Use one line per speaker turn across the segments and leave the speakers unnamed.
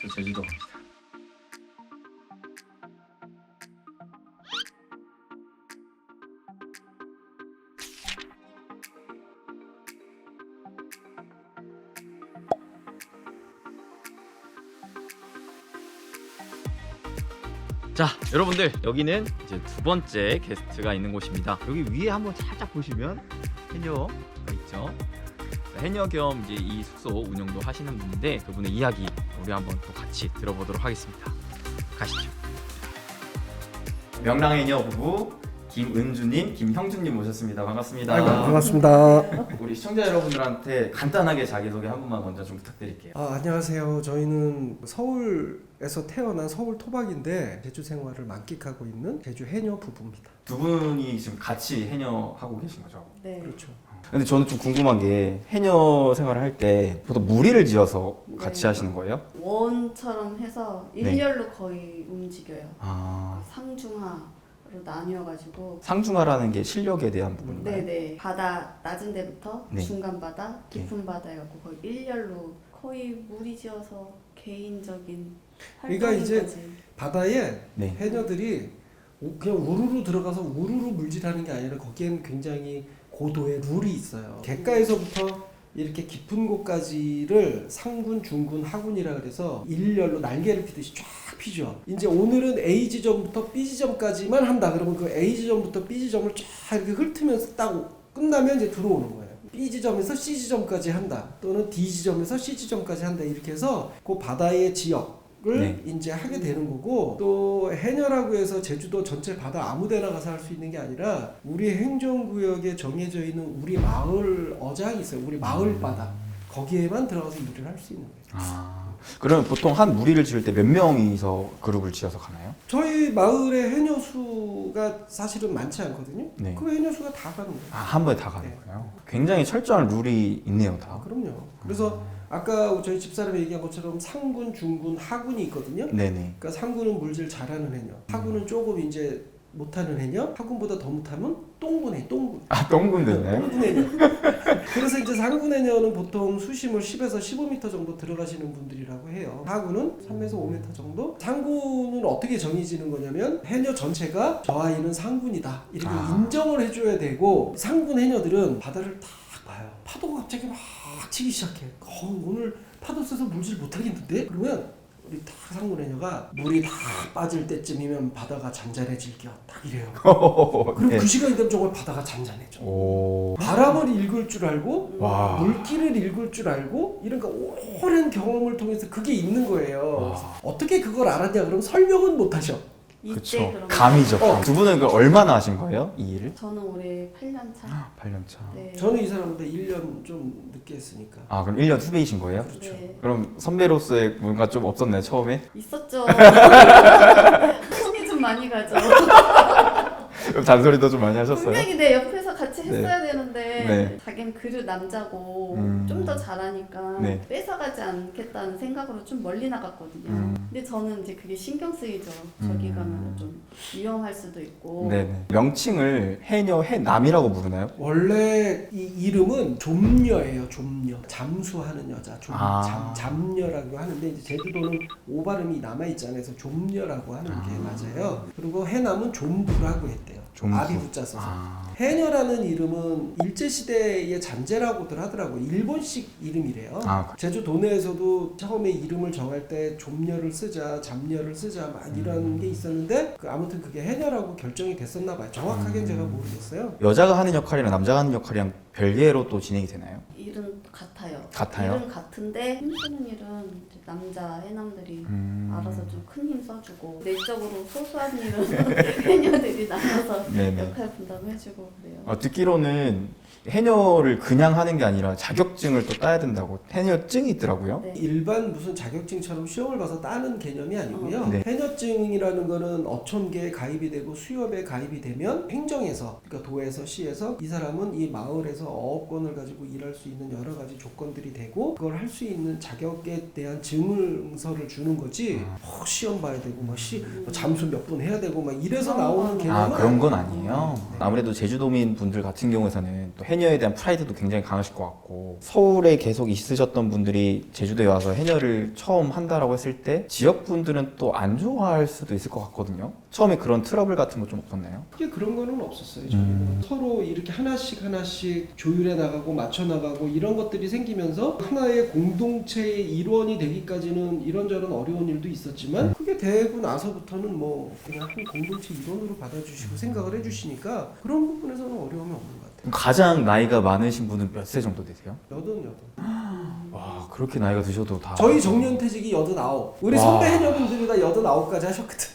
저 제주도. 자, 여러분들 여기는 이제 두 번째 게스트가 있는 곳입니다. 여기 위에 한번 살짝 보시면 해녀가 있죠. 해녀 겸 이제 이 숙소 운영도 하시는 분인데 그분의 이야기 우리 한번 또 같이 들어보도록 하겠습니다. 가시죠. 명랑해녀 부부 김은주님, 김형준님 모셨습니다. 반갑습니다.
아이고, 반갑습니다.
우리 시청자 여러분들한테 간단하게 자기소개 한 번만 먼저 좀 부탁드릴게요.
안녕하세요. 저희는 서울에서 태어난 서울 토박인데 제주 생활을 만끽하고 있는 제주 해녀 부부입니다.
두 분이 지금 같이 해녀하고 계신 거죠?
네.
그렇죠.
근데 저는 좀 궁금한 게 해녀 생활을 할 때 보통 무리를 지어서 같이
네.
하시는 거예요?
원처럼 해서 일렬로 거의 움직여요.
아,
상중하로 나뉘어가지고.
상중하라는 게 실력에 대한 부분인가요?
네네. 바다 낮은 데부터
네.
중간 바다, 깊은 바다 해갖고 거의 일렬로 거의 무리지어서 개인적인
그러니까
활동까지.
이제 바다에
네.
해녀들이 그냥 우르르 들어가서 우르르 물질하는 게 아니라 거기엔 굉장히 고도의 룰이 있어요. 갯가에서부터 이렇게 깊은 곳까지를 상군, 중군, 하군이라 그래서 일렬로 날개를 피듯이 쫙 피죠. 이제 오늘은 A 지점부터 B 지점까지만 한다. 그러면 그 A 지점부터 B 지점을 쫙 이렇게 훑으면서 딱 끝나면 이제 들어오는 거예요. B 지점에서 C 지점까지 한다. 또는 D 지점에서 C 지점까지 한다. 이렇게 해서 그 바다의 지역 을
네.
이제 하게 되는 거고, 또 해녀라고 해서 제주도 전체 바다 아무데나 가서 할 수 있는 게 아니라 우리 행정구역에 정해져 있는 우리 마을 어장이 있어요. 우리 마을 바다 거기에만 들어가서 일을 할 수 있는 거예요.
아, 그러면 보통 한 무리를 지을 때 몇 명이서 그룹을 지어서 가나요?
저희 마을의 해녀 수가 사실은 많지 않거든요.
네.
그 해녀 수가 다 가는 거예요.
아, 한 번에 다 가는
네.
거예요? 굉장히 철저한 룰이 있네요, 다.
그럼요. 그래서 아까 저희 집사람이 얘기한 것처럼 상군, 중군, 하군이 있거든요.
네네.
그러니까 상군은 물질 잘하는 해녀, 하군은 조금 이제 못하는 해녀, 하군보다 더 못하면 똥군해, 똥군.
아, 똥군 됐나요?
똥군 해녀. 그래서 이제 상군 해녀는 보통 수심을 10에서 15m 정도 들어가시는 분들이라고 해요. 하군은 3에서 5m 정도. 상군은 어떻게 정해지는 거냐면 해녀 전체가 저 아이는 상군이다 이렇게 인정을 해줘야 되고, 상군 해녀들은 바다를 딱 봐요. 파도가 갑자기 막 치기 시작해. 오늘 파도 세서 물질 못하겠는데? 그러면 우리 딱 상군 해녀가 물이 다 빠질 때쯤이면 바다가 잔잔해질게요. 딱 이래요. 그럼
네.
그 시간이 되면 정말 바다가 잔잔해져.
오.
바람을 읽을 줄 알고
와.
물기를 읽을 줄 알고 이런 오랜 경험을 통해서 그게 있는 거예요.
와.
어떻게 그걸 알았냐 그러면 설명은 못 하셔.
이때
그쵸.
그러면
감이죠.
어.
두 분은 그걸 얼마나 하신 거예요? 이 일을?
저는 올해 8년 차.
8년 차.
네.
저는 이 사람보다 1년 좀 늦게 했으니까.
아, 그럼 1년 후배이신 거예요?
그렇죠.
네.
그럼 선배로서의 뭔가 좀 없었나요, 처음에?
있었죠. 손이 좀 많이 가죠.
그럼 잔소리도 좀 많이 하셨어요?
분명히 내 옆에서 같이 했어야 되는데
네.
자기는 그릇 남자고 좀 더 잘하니까
네.
뺏어가지 않겠다는 생각으로 좀 멀리 나갔거든요. 근데 저는 이제 그게 신경 쓰이죠. 저기 가면 좀 위험할 수도 있고.
네네. 명칭을 해녀, 해남이라고 부르나요?
원래 이 이름은 좀녀예요. 좀녀. 잠수하는 여자. 잠녀라고 하는데 이제 제주도는 오 발음이 남아 있잖아요. 그래서 좀녀라고 하는 게 맞아요. 그리고 해남은 좀부라고 했대요.
좀부.
아비 부자 써서. 해녀라는 이름은 일제시대의 잔재라고들 하더라고요. 일본식 이름이래요. 제주도 내에서도 처음에 이름을 정할 때 좀녀를 쓰자, 잠녀를 쓰자 막 이런 게 있었는데 아무튼 그게 해녀라고 결정이 됐었나 봐요. 정확하게는 제가 모르겠어요.
여자가 하는 역할이랑 남자가 하는 역할이랑 별개로 또 진행이 되나요?
일은 같아요.
같아요?
일은 같은데 힘쓰는 일은 이제 남자 해남들이 알아서 좀 큰 힘 써주고, 내적으로 소소한 일은 해녀들이 나눠서
네네.
역할 분담해주고 그래요.
듣기로는 해녀를 그냥 하는 게 아니라 자격증을 또 따야 된다고 해녀증이 있더라고요.
네.
일반 무슨 자격증처럼 시험을 봐서 따는 개념이 아니고요.
네.
해녀증이라는 거는 어촌계에 가입이 되고 수협에 가입이 되면 행정에서, 그러니까 도에서 시에서 이 사람은 이 마을에서 어업권을 가지고 일할 수 있는 여러 가지 조건들이 되고 그걸 할 수 있는 자격에 대한 증서를 주는 거지. 시험 봐야 되고 뭐 잠수 몇 분 해야 되고 막 이래서 나오는 개념은
그런 건 아니에요. 아무래도 제주도민 분들 같은 경우에는 또 해녀에 대한 프라이드도 굉장히 강하실 것 같고 서울에 계속 있으셨던 분들이 제주도에 와서 해녀를 처음 한다라고 했을 때 지역분들은 또 안 좋아할 수도 있을 것 같거든요. 처음에 그런 트러블 같은 거 좀 없었나요?
크게 그런 거는 없었어요. 저희는 서로 이렇게 하나씩 조율해 나가고 맞춰 나가고 이런 것들이 생기면서 하나의 공동체의 일원이 되기까지는 이런저런 어려운 일도 있었지만 그게 되고 나서부터는 뭐 그냥 한 공동체 일원으로 받아주시고 생각을 해주시니까 그런 부분에서는 어려움이 없는 것 같아요.
그럼 가장 나이가 많으신 분은 몇 세 정도 되세요?
88.
와 그렇게 나이가 드셔도 다
저희 정년퇴직이 89. 우리
와.
선배 해녀분들이 다 89까지 하셨거든.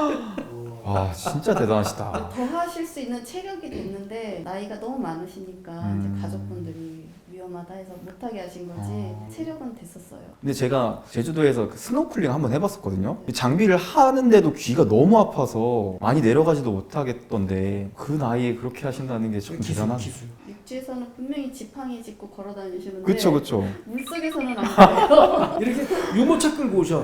와 진짜 대단하시다.
더 하실 수 있는 체력이 됐는데 나이가 너무 많으시니까 이제 가족분들이 위험하다 해서 못하게 하신 거지 체력은 됐었어요.
근데 제가 제주도에서 그 스노클링 한번 해봤었거든요. 장비를 하는데도 귀가 너무 아파서 많이 내려가지도 못하겠던데 그 나이에 그렇게 하신다는 게 참 대단한.
기술.
육지에서는 분명히 지팡이 짚고 걸어 다니시는데
그쵸 그쵸.
물속에서는 안 그래요.
이렇게 유모차 끌고 오셔.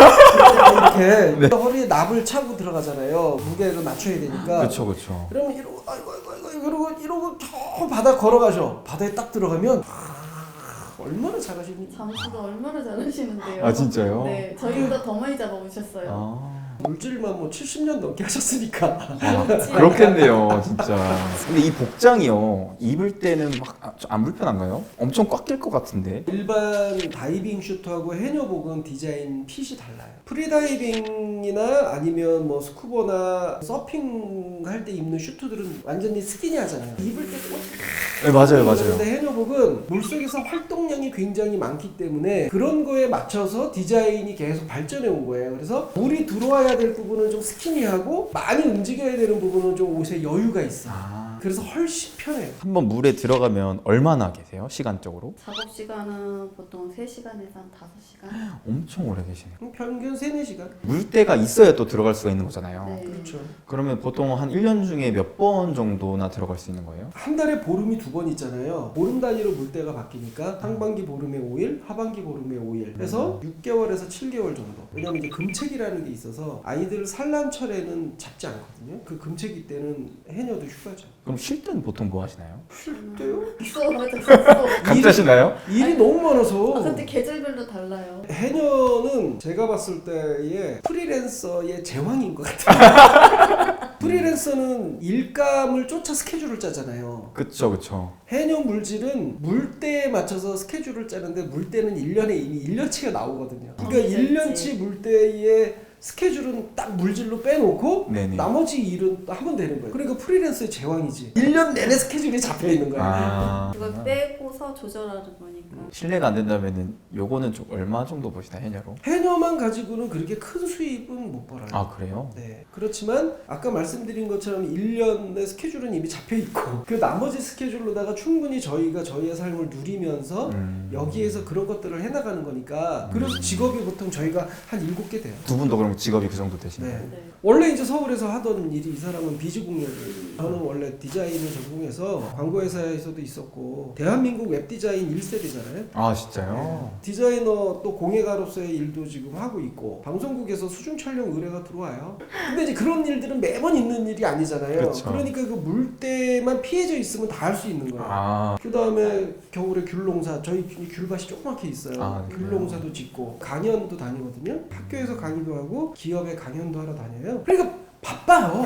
이렇게 허리에 납을 차고 들어가잖아요. 무게를 맞춰야 되니까.
그쵸 그쵸.
그러면 이러고 아이고 이러고 저 바다 걸어가셔. 바다에 딱 들어가면 얼마나 잘하십니까?
잠수도 얼마나 잘하시는데요.
아 진짜요?
네, 저희보다 더 많이 잡아오셨어요.
아.
물질만 뭐 70년 넘게 하셨으니까.
아, 그렇겠네요, 진짜. 근데 이 복장이요, 입을 때는 막 안 불편한가요? 엄청 꽉 낄 것 같은데.
일반 다이빙 슈트하고 해녀복은 디자인 핏이 달라요. 프리다이빙이나 아니면 뭐 스쿠버나 서핑 할 때 입는 슈트들은 완전히 스키니하잖아요. 입을 때
네, 맞아요, 맞아요.
그런데 해녀복은 물속에서 활동량이 굉장히 많기 때문에 그런 거에 맞춰서 디자인이 계속 발전해 온 거예요. 그래서 물이 들어와야 될 부분은 좀 스키니하고 많이 움직여야 되는 부분은 좀 옷에 여유가 있어요. 그래서 훨씬 편해요.
한번 물에 들어가면 얼마나 계세요, 시간적으로?
작업 시간은 보통 3시간에서 한 5시간.
엄청 오래 계시네요.
평균 3-4시간?
물때가 있어야 또 들어갈 수가 있는 거잖아요.
네.
그렇죠.
그러면 보통 한 1년 중에 몇 번 정도나 들어갈 수 있는 거예요?
한 달에 보름이 2번 있잖아요. 보름 단위로 물때가 바뀌니까 상반기 보름에 5일, 하반기 보름에 5일 해서 6개월에서 7개월 정도. 왜냐면 이제 금책이라는 게 있어서 아이들 산란철에는 잡지 않거든요. 그 금책이 때는 해녀도 휴가죠.
그럼 쉴 때는 보통 뭐 하시나요?
쉴 때요?
각자 쉬나요?
일이 너무 많아서.
아, 근데 계절별로 달라요.
해녀는 제가 봤을 때의 프리랜서의 제왕인 것 같아요. 프리랜서는 일감을 쫓아 스케줄을 짜잖아요.
그쵸 그쵸.
해녀 물질은 물때에 맞춰서 스케줄을 짜는데 물때는 1년에 이미 1년치가 나오거든요. 그러니까 1년치 물때에 스케줄은 딱 물질로 빼놓고
네네.
나머지 일은 하면 되는 거예요. 그러니까 프리랜서의 제왕이지. 1년 내내 스케줄이 잡혀 있는 거야.
아.
그걸 빼고서 조절하는 거니까.
실례가 안 된다면은 요거는 좀 얼마 정도 버시나요, 해녀로?
해녀만 가지고는 그렇게 큰 수입은 못 벌어요.
아 그래요?
네. 그렇지만 아까 말씀드린 것처럼 1년의 스케줄은 이미 잡혀 있고 그 나머지 스케줄로다가 충분히 저희가 저희의 삶을 누리면서 여기에서 그런 것들을 해나가는 거니까 그래서 직업이 보통 저희가 한 7개 돼요.
두 분도 그럼 직업이 그 정도 되시나요?
네.
네.
원래 이제 서울에서 하던 일이 이 사람은 비즈공예를 저는 원래 디자인을 전공해서 광고회사에서도 있었고 대한민국 웹디자인 1세대잖아요.
아 진짜요?
디자이너 또 공예가로서의 일도 지금 하고 있고 방송국에서 수중 촬영 의뢰가 들어와요. 근데 이제 그런 일들은 매번 있는 일이 아니잖아요.
그쵸.
그러니까 그 물때만 피해져 있으면 다 할 수 있는 거예요.
아
그 다음에 겨울에 귤농사 저희 귤밭이 조그맣게 있어요.
아, 네.
귤농사도 짓고 강연도 다니거든요. 학교에서 강의도 하고 기업에 강연도 하러 다녀요. 그러니까 바빠요.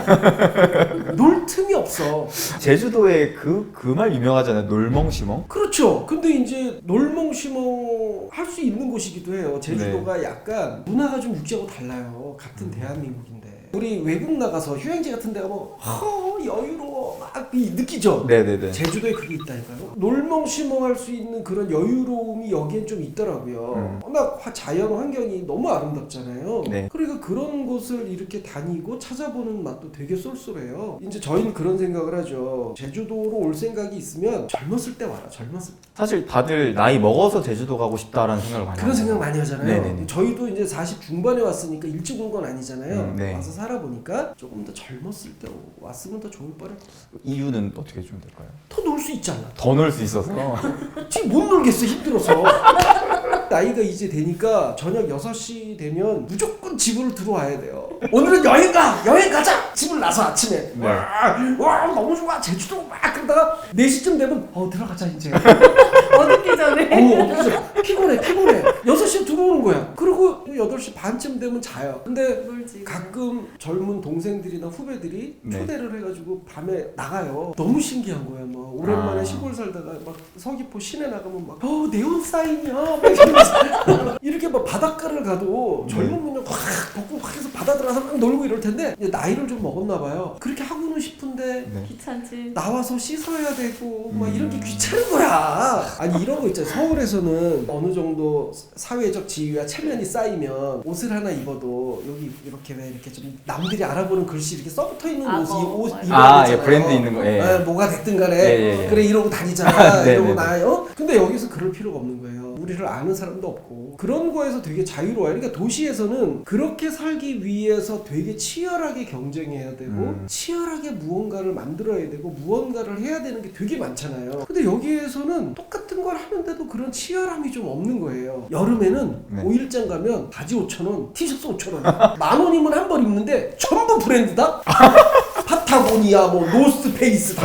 놀 틈이 없어.
제주도에 그 말 유명하잖아요. 놀멍시멍.
그렇죠. 근데 이제 놀멍시멍 할 수 있는 곳이기도 해요. 제주도가 약간 문화가 좀 육지하고 달라요. 같은 대한민국인데. 우리 외국 나가서 휴양지 같은 데 가면 여유로워 막 느끼죠?
네네네.
제주도에 그게 있다니까요. 놀멍시멍할 수 있는 그런 여유로움이 여기엔 좀 있더라고요. 워낙 자연 환경이 너무 아름답잖아요.
네.
그러니까 그런 곳을 이렇게 다니고 찾아보는 맛도 되게 쏠쏠해요. 이제 저희는 그런 생각을 하죠. 제주도로 올 생각이 있으면 젊었을 때 와라. 젊었을 때.
사실 다들 나이 먹어서 제주도 가고 싶다라는 생각을 많이
그런
하죠.
생각 많이 하잖아요.
네네네.
저희도 이제 40 중반에 왔으니까 일찍 온 건 아니잖아요.
네.
와서 살아보니까 조금 더 젊었을 때 왔으면 더 좋을 뻔했어.
이유는 어떻게 좀 될까요?
더 놀 수 있잖아.
더 놀 수 있어서.
지금 못 놀겠어 힘들어서. 딱 나이가 이제 되니까 저녁 6시 되면 무조건 집으로 들어와야 돼요. 오늘은 여행 가자! 집을 나서 아침에.
네.
와, 너무 좋아. 제주도 막 그러다가 4시쯤 되면 들어가자 이제.
어둡기 전에.
피곤해. 6시에 들어오는 거야. 그리고 8시 반쯤 되면 자요. 근데
놀지.
가끔 젊은 동생들이나 후배들이
네.
초대를 해가지고 밤에 나가요. 너무 신기한 거야. 막 오랜만에 시골 살다가 막 서귀포 시내 나가면 막 네온 사인이야. 막 이러면서 이렇게 막 바닷가를 가도 젊은 분들 확 걷고 확 해서 바다 들어가서 막 놀고 이럴 텐데 이제 나이를 좀 먹었나 봐요. 그렇게 하고는 싶은데
네.
귀찮지.
나와서 씻어야 되고 막 이런 게 귀찮은 거야. 아니 이런 거 있잖아요. 서울에서는 어느 정도 사회적 지위와 체면이 쌓이면 옷을 하나 입어도 여기 이렇게 왜 이렇게 좀 남들이 알아보는 글씨 이렇게 써붙어 있는 옷 입어야 되잖아요.
예, 브랜드 있는 거. 예.
뭐가 됐든 간에
예.
그래 이러고 다니자
네,
이러고
네,
나요. 근데 여기서 그럴 필요가 없는 거예요. 우리를 아는 사람도 없고 그런 거에서 되게 자유로워요. 그러니까 도시에서는 그렇게 살기 위해서 되게 치열하게 경쟁해야 되고 치열하게 무언가를 만들어야 되고 무언가를 해야 되는 게 되게 많잖아요. 근데 여기에서는 똑같은 걸 하는데도 그런 치열함이 좀 없는 거예요. 여름에는
네.
5일장 가면 바지 5,000원, 티셔츠 5,000원 10,000원이면 한 벌 입는데 전부 브랜드다? 파타고니아 뭐 노스페이스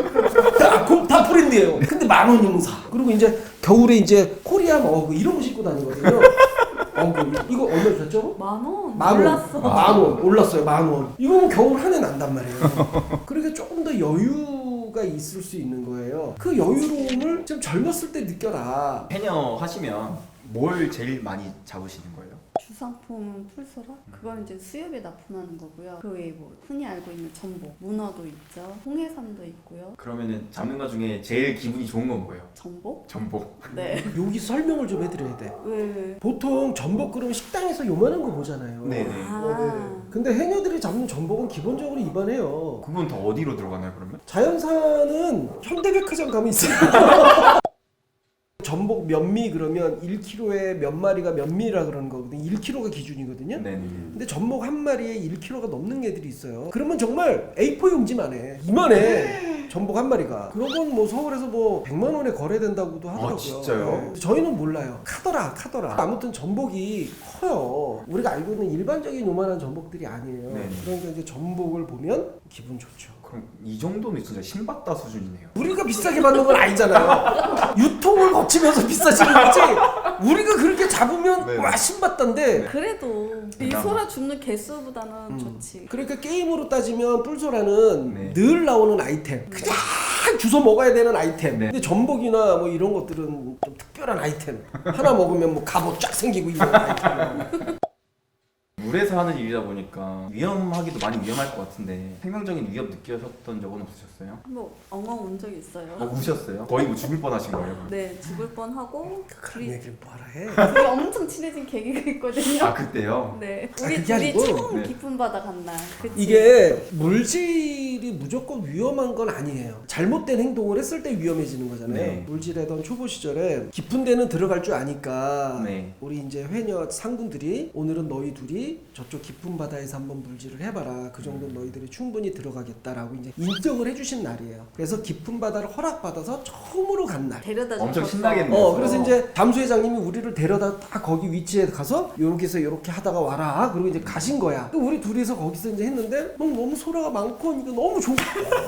다 브랜드예요. 근데 10,000원이면 사. 그리고 이제 겨울에 이제 코리안 어그 이런 거 신고 다니거든요. 어그 이거 얼마 줬죠?
10,000원.
10,000원.
몰랐어.
10,000원 올랐어요. 10,000원. 이거는 겨울 한 해 난단 말이에요. 그러니까 조금 더 여유가 있을 수 있는 거예요. 그 여유로움을 좀 젊었을 때 느껴라.
해녀 하시면 뭘 제일 많이 잡으시는 거예요?
주상품은 풀소라? 그건 이제 수협에 납품하는 거고요. 그 외에 뭐 흔히 알고 있는 전복, 문어도 있죠. 홍해삼도 있고요.
그러면은 잡는 것 중에 제일 기분이 좋은 건 뭐예요?
전복?
전복.
네.
여기 설명을 좀 해드려야 돼.
왜?
보통 전복 그러면 식당에서 요만한 거 보잖아요.
네네.
아.
근데 해녀들이 잡는 전복은 기본적으로 입안해요.
그건 다 어디로 들어가나요 그러면?
자연산은 현대백화점 가면 있어요. 전복 몇미 그러면 1kg에 몇 마리가 몇 미라 그러는 거거든요. 1kg가 기준이거든요.
네네.
근데 전복 한 마리에 1kg가 넘는 애들이 있어요. 그러면 정말 A4 용지만 해. 이만해. 전복 한 마리가. 그런 건 뭐 서울에서 뭐 100만 원에 거래된다고도 하더라고요.
진짜요?
네. 저희는 몰라요. 카더라. 아무튼 전복이 커요. 우리가 알고 있는 일반적인 요만한 전복들이 아니에요.
네.
그러니까 이제 전복을 보면 기분 좋죠.
그럼 이 정도면 진짜 신받다 수준이네요.
우리가 비싸게 받는 건 아니잖아요. 유통을 거치면서 비싸지는 거지. 우리가 그렇게 잡으면
네.
와 신받던데.
그래도 이
그나마.
소라 줍는 개수보다는 좋지.
그러니까 게임으로 따지면 뿔소라는
네.
늘 나오는 아이템. 그냥 주워 먹어야 되는 아이템.
네.
근데 전복이나 뭐 이런 것들은 좀 특별한 아이템. 하나 먹으면 뭐 갑옷 쫙 생기고 이런 아이템.
물에서 하는 일이다 보니까 위험하기도 많이 위험할 것 같은데 생명적인 위협 느끼셨던 적은 없으셨어요?
한번 엉엉 운 적 있어요.
우셨어요? 거의 뭐 죽을 뻔하신 거예요?
네, 죽을 뻔하고
그런 얘기를 뭐하라 해.
둘이 엄청 친해진 계기가 있거든요.
아 그때요?
네,
아,
우리
그게
둘이
아니고,
처음
네.
깊은 바다 간 날. 그치?
이게 물질이 무조건 위험한 건 아니에요. 잘못된 행동을 했을 때 위험해지는 거잖아요.
네.
물질하던 초보 시절에 깊은 데는 들어갈 줄 아니까
네.
우리 이제 회녀 상군들이 오늘은 너희 둘이 저쪽 깊은 바다에서 한번 물질을 해봐라. 그 정도는 너희들이 충분히 들어가겠다라고 이제 인정을 해주신 날이에요. 그래서 깊은 바다를 허락받아서 처음으로 간 날.
데려다
엄청
줬었어.
신나겠네요.
그래서 이제 잠수회장님이 우리를 데려다 딱 거기 위치에 가서 요렇게서 요렇게 하다가 와라. 그리고 이제 가신 거야. 또 우리 둘이서 거기서 이제 했는데 너무 소라가 많고 이거 너무 좋고.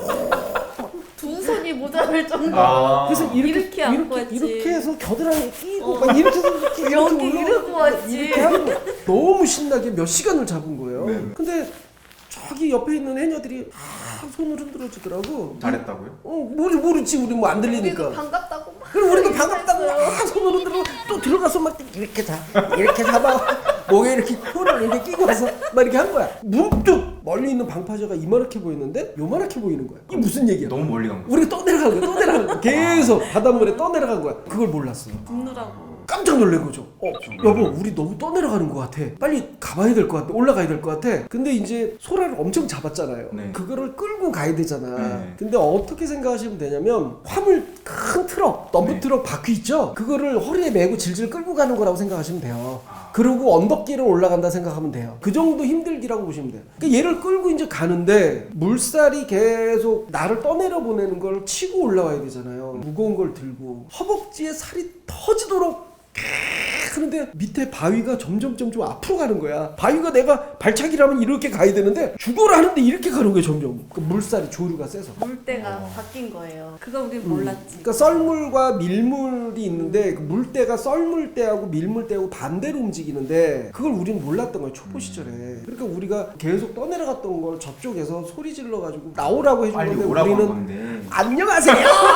두 손이 모자랄 정도.
그래서
이렇게 안고 왔지.
이렇게 해서 겨드랑이 끼고 막 이렇게 해서 이렇게
여기
올라가고
이러고 왔지.
이렇게 하고 너무 신나게 몇 시간을 잡은 거예요.
네.
근데 저기 옆에 있는 해녀들이 손을 흔들어 주더라고.
잘했다고요?
모르지 우리 뭐 안
우리도
들리니까.
반갑다고 막.
그럼 우리도 반갑다고 손을 흔들어 또 들어가서 막 이렇게 잡아 목에 이렇게 혀를 이렇게 끼고 와서 막 이렇게 한 거야. 문득 멀리 있는 방파제가 이만하게 보이는데 요만하게 보이는 거야. 이게 무슨 얘기야?
너무 멀리 간 거예요?
우리가 떠내려간 거야. 계속 바닷물에 떠내려간 거야. 그걸 몰랐어.
듣느라고.
깜짝 놀란 거죠. 여보, 우리 너무 떠내려가는 것 같아. 빨리 가봐야 될 것 같아. 올라가야 될 것 같아. 근데 이제 소라를 엄청 잡았잖아요.
네.
그거를 끌고 가야 되잖아.
네.
근데 어떻게 생각하시면 되냐면 화물 큰 트럭, 덤프
네.
트럭 바퀴 있죠? 그거를 허리에 메고 질질 끌고 가는 거라고 생각하시면 돼요. 그리고 언덕길을 올라간다 생각하면 돼요. 그 정도 힘들기라고 보시면 돼요. 그러니까 얘를 끌고 이제 가는데 물살이 계속 나를 떠내려 보내는 걸 치고 올라와야 되잖아요. 무거운 걸 들고 허벅지에 살이 터지도록 하는데 밑에 바위가 점점 앞으로 가는 거야. 바위가 내가 발차기라면 이렇게 가야 되는데 죽어라 하는데 이렇게 가는 거야. 점점 그 물살이 조류가 세서.
물때가 바뀐 거예요. 그거 우린 몰랐지.
그러니까 썰물과 밀물이 있는데 그 물때가 썰물때하고 밀물때하고 반대로 움직이는데 그걸 우리는 몰랐던 거야. 초보 시절에. 그러니까 우리가 계속 떠내려갔던 걸 저쪽에서 소리 질러 가지고 나오라고 해준
빨리
건데
오라고 한
우리는
건데.
안녕하세요.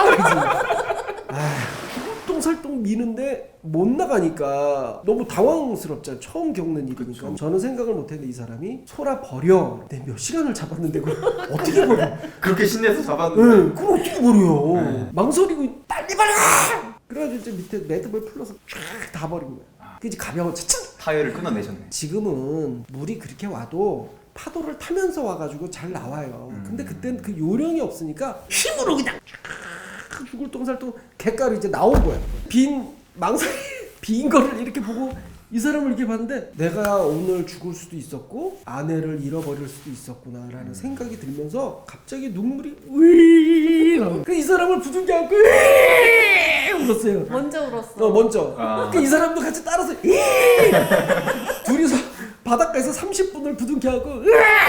설똥설똥 미는데 못 나가니까 너무 당황스럽잖아. 처음 겪는 일이니까.
그쵸.
저는 생각을 못했는데 이 사람이 소라 버려. 내 몇 시간을 잡았는데 그걸 어떻게 버려?
그렇게 신내서 잡았는데.
응, 그걸 어떻게 버려?
네.
망설이고 빨리 버려! 그래가지고 이제 밑에 매듭을 풀러서 쫙 다 버린 거야. 그 이제 가벼워 차차.
타이어를 끊어내셨네.
지금은 물이 그렇게 와도 파도를 타면서 와가지고 잘 나와요. 근데 그땐 그 요령이 없으니까 힘으로 그냥 쫙 죽을 똥살똥 갯가로 이제 나온 거야. 빈 망상이 빈 거를 이렇게 보고 이 사람을 이렇게 봤는데 내가 오늘 죽을 수도 있었고 아내를 잃어버릴 수도 있었구나라는 생각이 들면서 갑자기 눈물이 으이 나와. 그 이 사람을 부둥켜 안고 으이 울었어요.
먼저 울었어.
먼저.
아.
그 이 사람도 같이 따라서 으이 둘이서 바닷가에서 30분을 부둥켜 안고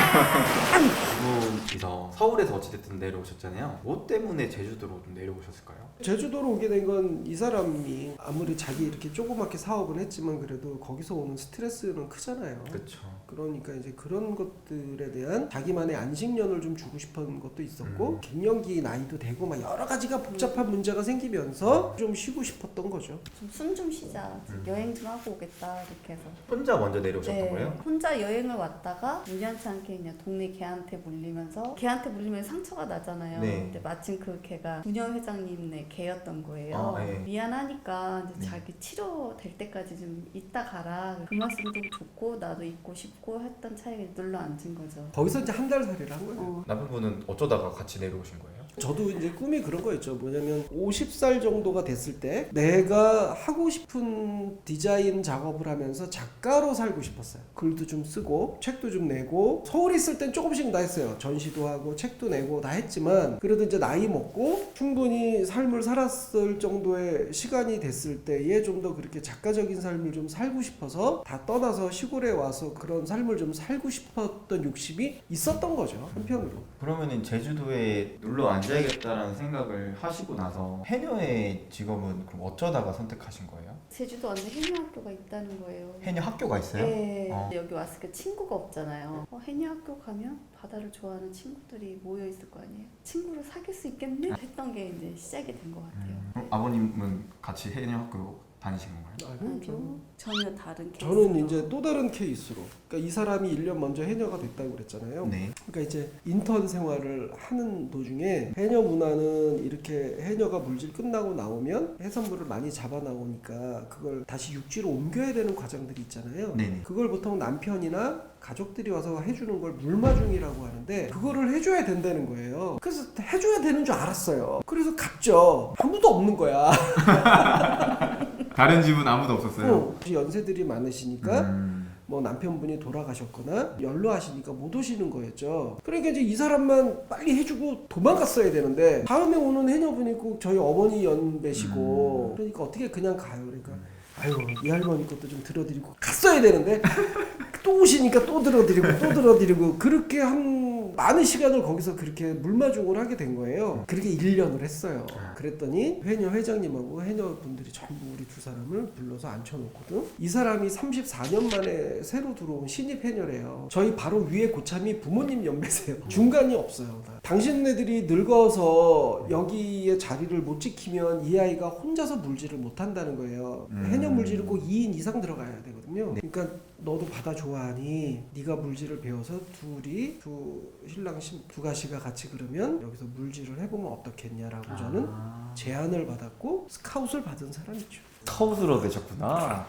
그분께서 서울에서 어찌됐든 내려오셨잖아요. 뭐 때문에 제주도로 좀 내려오셨을까요?
제주도로 오게 된 건 이 사람이 아무리 자기 이렇게 조그맣게 사업은 했지만 그래도 거기서 오는 스트레스는 크잖아요.
그렇죠.
그러니까 이제 그런 것들에 대한 자기만의 안식년을 좀 주고 싶은 것도 있었고 갱년기 나이도 되고 막 여러 가지가 복잡한 문제가 생기면서 좀 쉬고 싶었던 거죠.
좀 숨 좀 쉬자. 여행 좀 하고 오겠다 이렇게 해서.
혼자 먼저 내려오셨던
네,
거예요?
혼자 여행을 왔다가 우연치 않게 그냥 동네 개한테 물리면서 개한테 물리면 상처가 나잖아요.
네.
근데 마침 그 개가 분녀 회장님네 개였던 거예요.
아, 네.
미안하니까 이제
네.
자기 치료될 때까지 좀 있다 가라. 그 말씀도 좋고 나도 있고 싶고 했던 차이가 눌러 앉은 거죠.
거기서 이제 한 달 살이를 한 거예요.
남편분은 어쩌다가 같이 내려오신 거예요?
저도 이제 꿈이 그런 거였죠. 뭐냐면 50살 정도가 됐을 때 내가 하고 싶은 디자인 작업을 하면서 작가로 살고 싶었어요. 글도 좀 쓰고 책도 좀 내고 서울에 있을 땐 조금씩 다 했어요. 전시도 하고 책도 내고 다 했지만 그래도 이제 나이 먹고 충분히 삶을 살았을 정도의 시간이 됐을 때에 좀 더 그렇게 작가적인 삶을 좀 살고 싶어서 다 떠나서 시골에 와서 그런 삶을 좀 살고 싶었던 욕심이 있었던 거죠. 한편으로.
그러면은 제주도에 눌러 앉아야겠다라는 생각을 하시고 나서 해녀의 직업은 그럼 어쩌다가 선택하신 거예요?
제주도 완전 해녀학교가 있다는 거예요.
해녀 학교가 있어요?
네.
어.
여기 왔을 때 친구가 없잖아요. 해녀학교 가면 바다를 좋아하는 친구들이 모여 있을 거 아니에요. 친구를 사귈 수 있겠네? 했던 게 이제 시작이 된 것 같아요.
그럼 아버님은 같이 해녀 학교 다니신 건가요?
아니요. 전혀 다른 케이스.
저는 이제 또 다른 케이스로 그러니까 이 사람이 1년 먼저 해녀가 됐다고 그랬잖아요.
네.
그러니까 이제 인턴 생활을 하는 도중에 해녀 문화는 이렇게 해녀가 물질 끝나고 나오면 해산물을 많이 잡아 나오니까 그걸 다시 육지로 옮겨야 되는 과정들이 있잖아요.
네네.
그걸 보통 남편이나 가족들이 와서 해주는 걸 물마중이라고 하는데 그거를 해줘야 된다는 거예요. 그래서 해줘야 되는 줄 알았어요. 그래서 갔죠. 아무도 없는 거야.
다른 집은 아무도 없었어요?
연세들이 많으시니까 뭐 남편분이 돌아가셨거나 연로하시니까 못 오시는 거였죠. 그러니까 이제 이 사람만 빨리 해주고 도망갔어야 되는데 다음에 오는 해녀분이 꼭 저희 어머니 연배시고 그러니까 어떻게 그냥 가요. 그러니까 아유 이 할머니 것도 좀 들어드리고 갔어야 되는데 또 오시니까 또 들어드리고 그렇게 한 많은 시간을 거기서 그렇게 물마중을 하게 된 거예요. 그렇게 1년을 했어요. 그랬더니 해녀 회장님하고 해녀분들이 전부 우리 두 사람을 불러서 앉혀놓거든. 이 사람이 34년 만에 새로 들어온 신입 해녀래요. 저희 바로 위에 고참이 부모님 연배세요. 중간이 없어요. 당신네들이 늙어서 여기에 자리를 못 지키면 이 아이가 혼자서 물질을 못 한다는 거예요. 해녀 물질은 꼭 2인 이상 들어가야 되거든요. 그러니까 너도 바다 좋아하니 네가 물질을 배워서 둘이 신랑 두 가시가 같이 그러면 여기서 물질을 해보면 어떻겠냐라고 저는 제안을 받았고 스카웃을 받은 사람이죠.
스카웃으로 되셨구나.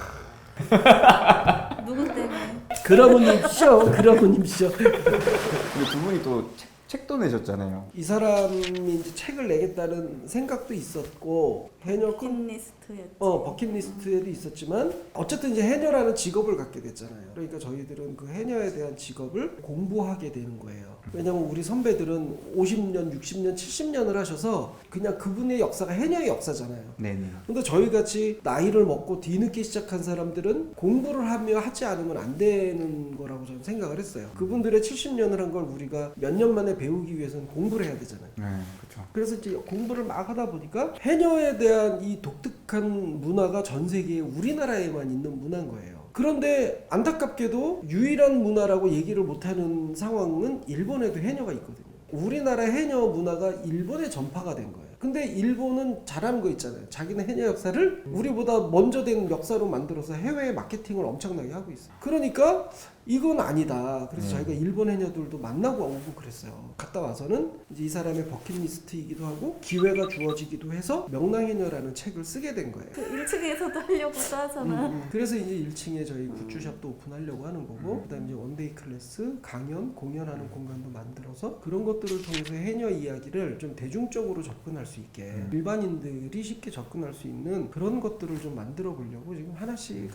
누구 때문에?
그러분님이죠.
근데 두 분이 또 책도 내셨잖아요.
이 사람이 이제 책을 내겠다는 생각도 있었고 해녀
버킷리스트 버킷리스트였지.
버킷리스트에도 있었지만 어쨌든 이제 해녀라는 직업을 갖게 됐잖아요. 그러니까 저희들은 그 해녀에 대한 직업을 공부하게 되는 거예요. 왜냐면 우리 선배들은 50년, 60년, 70년을 하셔서 그냥 그분의 역사가 해녀의 역사잖아요.
네네.
근데 저희 같이 나이를 먹고 뒤늦게 시작한 사람들은 공부를 하며 하지 않으면 안 되는 거라고 저는 생각을 했어요. 그분들의 70년을 한 걸 우리가 몇 년 만에 배우기 위해서는 공부를 해야 되잖아요.
네, 그렇죠.
그래서 이제 공부를 막 하다 보니까 해녀에 대한 이 독특한 문화가 전 세계에 우리나라에만 있는 문화인 거예요. 그런데 안타깝게도 유일한 문화라고 얘기를 못하는 상황은 일본에도 해녀가 있거든요. 우리나라 해녀 문화가 일본에 전파가 된 거예요. 근데 일본은 잘하는 거 있잖아요. 자기는 해녀 역사를 우리보다 먼저 된 역사로 만들어서 해외에 마케팅을 엄청나게 하고 있어요. 그러니까 이건 아니다. 그래서 저희가 일본 해녀들도 만나고 오고 그랬어요. 갔다 와서는 이제 이 사람의 버킷리스트이기도 하고 기회가 주어지기도 해서 명랑해녀라는 책을 쓰게 된 거예요.
그 1층에서도 하려고 하잖아.
그래서 이제 1층에 저희 굿즈샵도 오픈하려고 하는 거고 그다음에 이제 원데이 클래스, 강연, 공연하는 공간도 만들어서 그런 것들을 통해서 해녀 이야기를 좀 대중적으로 접근할 수 있게 일반인들이 쉽게 접근할 수 있는 그런 것들을 좀 만들어 보려고 지금 하나씩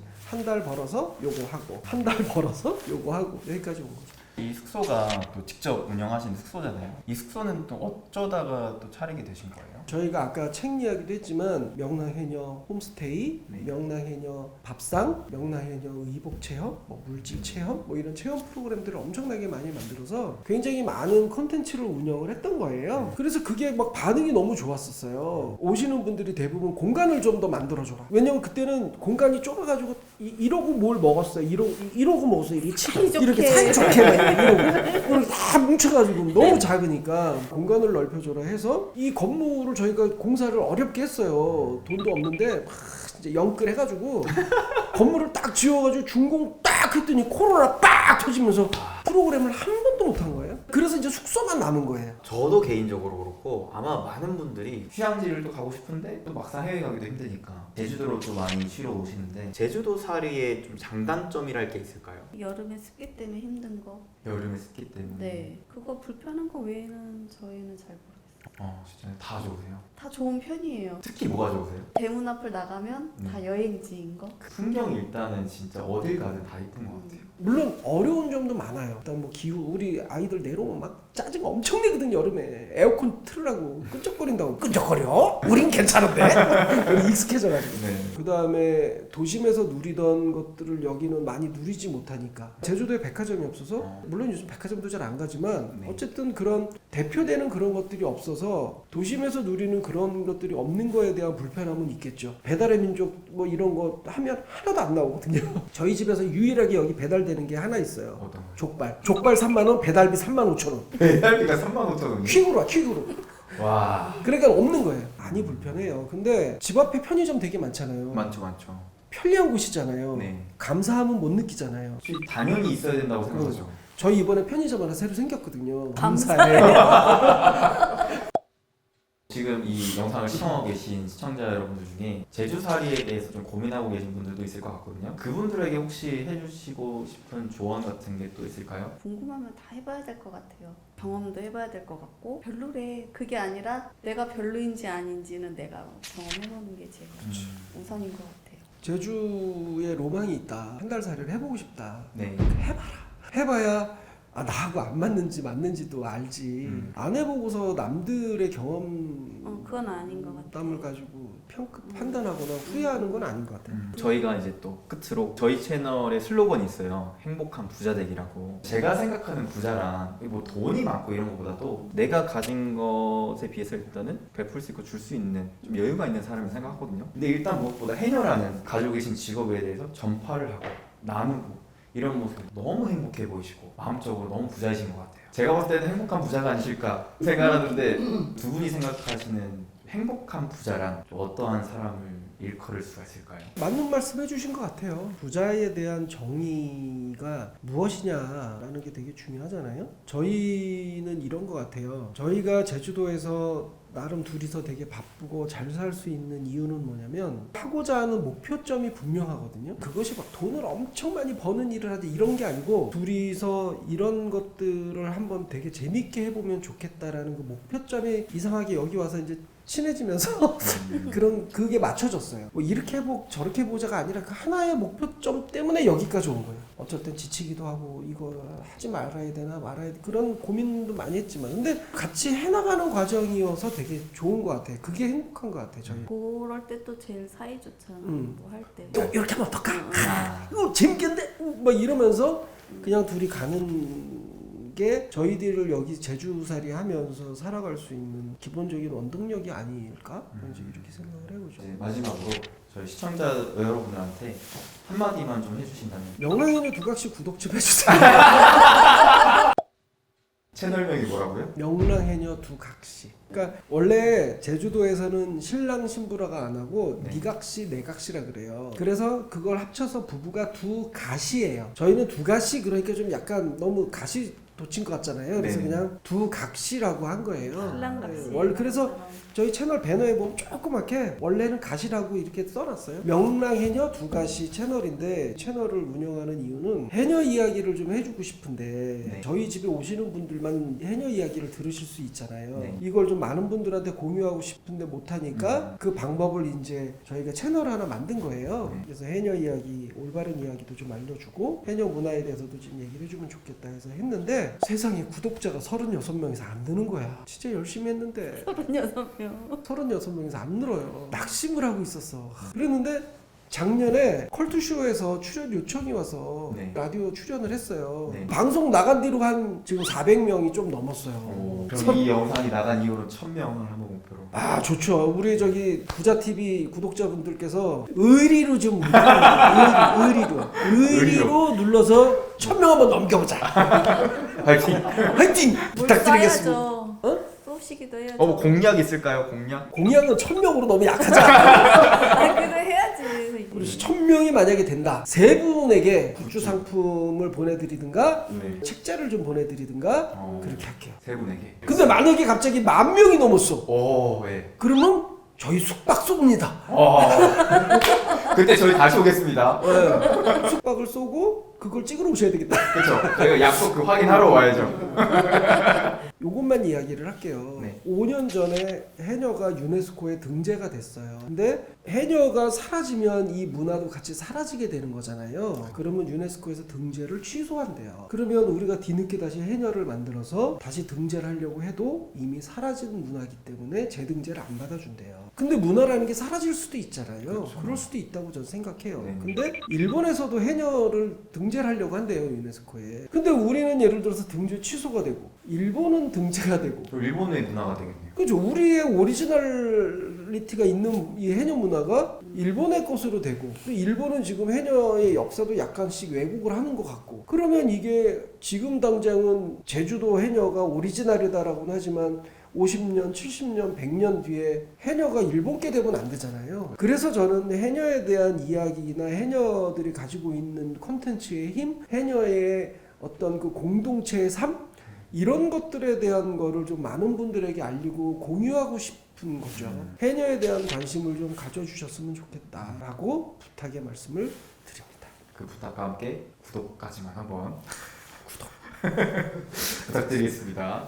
한 달 벌어서 요거 하고 한 달 벌어서 요거 하고 여기까지 온 거죠.
이 숙소가 또 직접 운영하시는 숙소잖아요. 이 숙소는 또 어쩌다가 또 차리게 되신 거예요?
저희가 아까 책 이야기도 했지만 명랑해녀 홈스테이,
네.
명랑해녀 밥상, 명랑해녀 의복 체험, 물질 체험 이런 체험 프로그램들을 엄청나게 많이 만들어서 굉장히 많은 콘텐츠를 운영을 했던 거예요. 그래서 그게 막 반응이 너무 좋았었어요. 오시는 분들이 대부분 공간을 좀 더 만들어줘라. 왜냐면 그때는 공간이 좁아가지고 이러고 뭘 먹었어요. 이러고 먹었어요. 이렇게 사이좋게 막 이러고 다 뭉쳐가지고 너무 작으니까 공간을 넓혀줘라 해서 이 건물을 저희가 공사를 어렵게 했어요. 돈도 없는데 막 이제 영끌 해가지고 건물을 딱 지어가지고 준공 딱 했더니 코로나 딱 터지면서 프로그램을 한 번도 못 한 거예요. 그래서 이제 숙소만 남은 거예요.
저도 개인적으로 그렇고 아마 많은 분들이 휴양지를 또 가고 싶은데 또 막상 해외 가기도 힘드니까 제주도로 또 많이 쉬러 오시는데 제주도 살이의 좀 장단점이랄 게 있을까요?
여름에 습기 때문에 힘든 거.
여름에 습기 때문에.
네. 그거 불편한 거 외에는 저희는 잘 모르겠어요.
진짜 다 좋으세요?
다 좋은 편이에요.
특히 뭐가 좋으세요?
대문 앞을 나가면 다 여행지인 거.
그 풍경 일단은 진짜 어딜 가든 다 이쁜 것 같아요.
물론 어려운 점도 많아요. 일단 뭐 기후 우리 아이들 내려오면 막 짜증 엄청 내거든요. 여름에 에어컨 틀으라고 끈적거린다고 끈적거려? 우린 괜찮은데? 우리 익숙해져가지고.
네.
그 다음에 도심에서 누리던 것들을 여기는 많이 누리지 못하니까 제주도에 백화점이 없어서 물론 요즘 백화점도 잘 안 가지만
네.
어쨌든 그런 대표되는 그런 것들이 없어서 도심에서 누리는 그런 것들이 없는 거에 대한 불편함은 있겠죠. 배달의 민족 뭐 이런 거 하면 하나도 안 나오거든요. 저희 집에서 유일하게 여기 배달되는 게 하나 있어요.
어떤 거요?
족발 3만원, 배달비 35,000원.
배달비가 35,000원이요?
퀵으로.
와.
그러니까 없는 거예요. 많이 불편해요. 근데 집 앞에 편의점 되게 많잖아요.
많죠.
편리한 곳이잖아요.
네.
감사함은 못 느끼잖아요.
당연히 있어야 된다고 생각하죠.
저희 이번에 편의점 하나 새로 생겼거든요.
감사해요.
지금 이 영상을 시청하고 계신 시청자 여러분들 중에 제주살이에 대해서 좀 고민하고 계신 분들도 있을 것 같거든요. 그분들에게 혹시 해주시고 싶은 조언 같은 게 또 있을까요?
궁금하면 다 해봐야 될 것 같아요. 경험도 해봐야 될 것 같고 별로래. 그게 아니라 내가 별로인지 아닌지는 내가 경험해보는 게 제일 우선인 것 같아요.
제주에 로망이 있다. 한 달 살이를 해보고 싶다.
네.
해봐야 나하고 안 맞는지도 알지. 안 해보고서 남들의 경험
그건 아닌 것 같아요.
땀을 가지고 판단하거나 후회하는 건 아닌 것 같아요.
저희가 이제 또 끝으로 저희 채널의 슬로건이 있어요. 행복한 부자 되기라고. 제가 생각하는 부자란 뭐 돈이 많고 이런 것보다도 내가 가진 것에 비해서 일단은 베풀 수 있고 줄 수 있는 좀 여유가 있는 사람이 생각하거든요. 근데 일단 무엇보다 해녀라는 가지고 계신 직업에 대해서 전파를 하고 나누고 이런 모습 너무 행복해 보이시고 마음적으로 너무 부자이신 것 같아요. 제가 봤을 때는 행복한 부자가 아니실까 생각하는데 두 분이 생각하시는 행복한 부자란 어떠한 사람을 일컬을 수가 있을까요?
맞는 말씀 해주신 것 같아요. 부자에 대한 정의가 무엇이냐라는 게 되게 중요하잖아요. 저희는 이런 것 같아요. 저희가 제주도에서 나름 둘이서 되게 바쁘고 잘 살 수 있는 이유는 뭐냐면 하고자 하는 목표점이 분명하거든요. 그것이 막 돈을 엄청 많이 버는 일을 하지 이런 게 아니고 둘이서 이런 것들을 한번 되게 재밌게 해보면 좋겠다라는 그 목표점이 이상하게 여기 와서 이제 친해지면서 그런 그게 맞춰졌어요. 뭐 이렇게 해보 저렇게 해보자가 아니라 그 하나의 목표점 때문에 여기까지 온 거예요. 어쩔 땐 지치기도 하고 이거 하지 말아야 되나 말아야 돼 그런 고민도 많이 했지만 근데 같이 해나가는 과정이어서 되게 좋은 것 같아요. 그게 행복한 것 같아요. 저희.
그럴 때 또 제일 사이 좋잖아. 뭐 할 때.
또 이렇게 하면 어떡하? 이거 재밌겠는데? 막 이러면서 그냥 둘이 가는 게 저희들을 여기 제주살이 하면서 살아갈 수 있는 기본적인 원동력이 아닐까? 이제 이렇게 생각을 해보죠.
이제 마지막으로 저희 시청자 여러분들한테 한마디만 좀 해주신다면.
명랑해녀 두각시 구독 좀 해주세요.
채널명이 뭐라고요?
명랑해녀 두각시. 그러니까 원래 제주도에서는 신랑 신부라가 안 하고
네.
니각시 내각시라 그래요. 그래서 그걸 합쳐서 부부가 두가시예요. 저희는 두가시 그러니까 좀 약간 너무 가시 돋친 것 같잖아요. 그래서
네네.
그냥 두각시라고 한 거예요.
신랑같이.
원래 그래서 저희 채널 배너에 보면 조그맣게 원래는 가시라고 이렇게 써놨어요. 명랑해녀 두가시 채널인데 채널을 운영하는 이유는 해녀 이야기를 좀 해주고 싶은데
네.
저희 집에 오시는 분들만 해녀 이야기를 들으실 수 있잖아요.
네.
이걸 좀 많은 분들한테 공유하고 싶은데 못하니까 그 방법을 이제 저희가 채널 하나 만든 거예요.
네.
그래서 해녀 이야기, 올바른 이야기도 좀 알려주고 해녀 문화에 대해서도 좀 얘기를 해주면 좋겠다 해서 했는데 세상에 구독자가 36명에서 안 느는 거야. 진짜 열심히 했는데
36명.
36명에서 안 늘어요. 낙심을 하고 있었어. 그랬는데 작년에 컬투쇼에서 출연 요청이 와서
네.
라디오 출연을 했어요.
네.
방송 나간 뒤로 한 지금 400명이 좀 넘었어요.
그럼 이 영상이 나간 이후로 1000명을 한번 목표로.
아 좋죠. 우리 저기 부자TV 구독자분들께서 의리로 좀 의리로 눌러서 1000명 한번 넘겨보자.
파이팅.
화이팅 부탁드리겠습니다.
써야죠.
어?
쏘시기도 해야죠.
뭐 공약 있을까요? 공약?
공약은 1000명으로 너무 약하잖아.
아, 그거 해야지.
그래서 1000명이 만약에 된다. 세 분에게 굿즈 상품을 보내드리든가
네.
책자를 좀 보내드리든가
어.
그렇게 할게요.
세 분에게.
근데 만약에 갑자기 10,000명이 넘었어.
오, 네.
그러면 저희 숙박 쏩니다.
그때 저희 다시 오겠습니다.
네. 숙박을 쏘고 그걸 찍으러 오셔야 되겠다.
그렇죠. 저희가 약속 그 확인하러 와야죠.
요것만 이야기를 할게요.
네.
5년 전에 해녀가 유네스코에 등재가 됐어요. 근데 해녀가 사라지면 이 문화도 같이 사라지게 되는 거잖아요. 그러면 유네스코에서 등재를 취소한대요. 그러면 우리가 뒤늦게 다시 해녀를 만들어서 다시 등재를 하려고 해도 이미 사라진 문화이기 때문에 재등재를 안 받아준대요. 근데 문화라는 게 사라질 수도 있잖아요.
그렇죠.
그럴 수도 있다고 저는 생각해요.
네.
근데 일본에서도 해녀를 등재를 하려고 한대요, 유네스코에. 근데 우리는 예를 들어서 등재 취소가 되고 일본은 등재가 되고
또 일본의 문화가 되겠네요.
그죠. 우리의 오리지널리티가 있는 이 해녀 문화가 일본의 것으로 되고 또 일본은 지금 해녀의 역사도 약간씩 왜곡을 하는 것 같고 그러면 이게 지금 당장은 제주도 해녀가 오리지널이다라고는 하지만 50년, 70년, 100년 뒤에 해녀가 일본께 되면 안 되잖아요. 그래서 저는 해녀에 대한 이야기나 해녀들이 가지고 있는 콘텐츠의 힘, 해녀의 어떤 그 공동체의 삶 이런 것들에 대한 거를 좀 많은 분들에게 알리고 공유하고 싶은 거죠. 해녀에 대한 관심을 좀 가져주셨으면 좋겠다라고 부탁의 말씀을 드립니다.
그 부탁과 함께 구독까지만 한번 부탁드리겠습니다.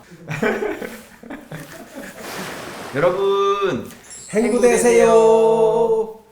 여러분
행복되세요.